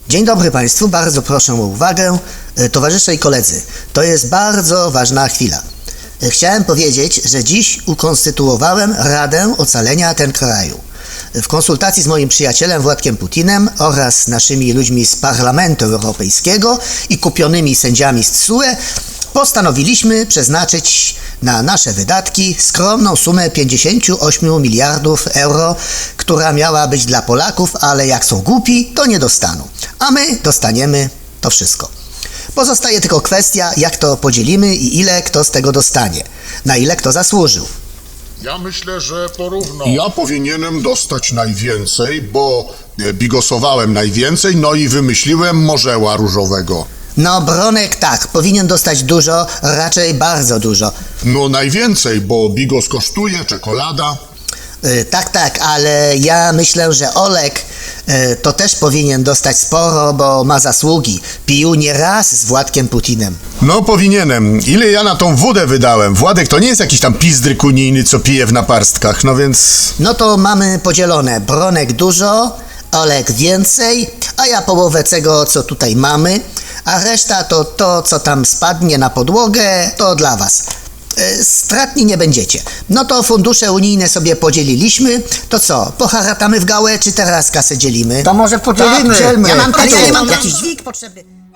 Dzień dobry Państwu, bardzo proszę o uwagę. Towarzysze i koledzy, to jest bardzo ważna chwila. Chciałem powiedzieć, że dziś ukonstytuowałem Radę Ocalenia ten kraju. W konsultacji z moim przyjacielem Władkiem Putinem oraz naszymi ludźmi z Parlamentu Europejskiego i kupionymi sędziami z TSUE postanowiliśmy przeznaczyć na nasze wydatki skromną sumę 58 miliardów euro, która miała być dla Polaków, ale jak są głupi, to nie dostaną. A my dostaniemy to wszystko. Pozostaje tylko kwestia, jak to podzielimy i ile kto z tego dostanie, na ile kto zasłużył. Ja myślę, że porówno. Ja powinienem dostać najwięcej, bo bigosowałem najwięcej, no i wymyśliłem morzeła różowego. No Bronek tak, powinien dostać dużo, raczej bardzo dużo. No najwięcej, bo bigos kosztuje, czekolada. Tak, ale ja myślę, że Olek to też powinien dostać sporo, bo ma zasługi. Pił nie raz z Władkiem Putinem. No powinienem. Ile ja na tą wódę wydałem? Władek to nie jest jakiś tam pizdryk unijny, co pije w naparstkach, no więc... No to mamy podzielone. Bronek dużo, Olek więcej, a ja połowę tego, co tutaj mamy, a reszta to to, co tam spadnie na podłogę, to dla was. Stratni nie będziecie. No to fundusze unijne sobie podzieliliśmy. To co, poharatamy w gałę, czy teraz kasę dzielimy? To może podzielimy. Tak, dzielmy. Ja mam Ale ja nie mam jakiś jakiś dźwig potrzebny.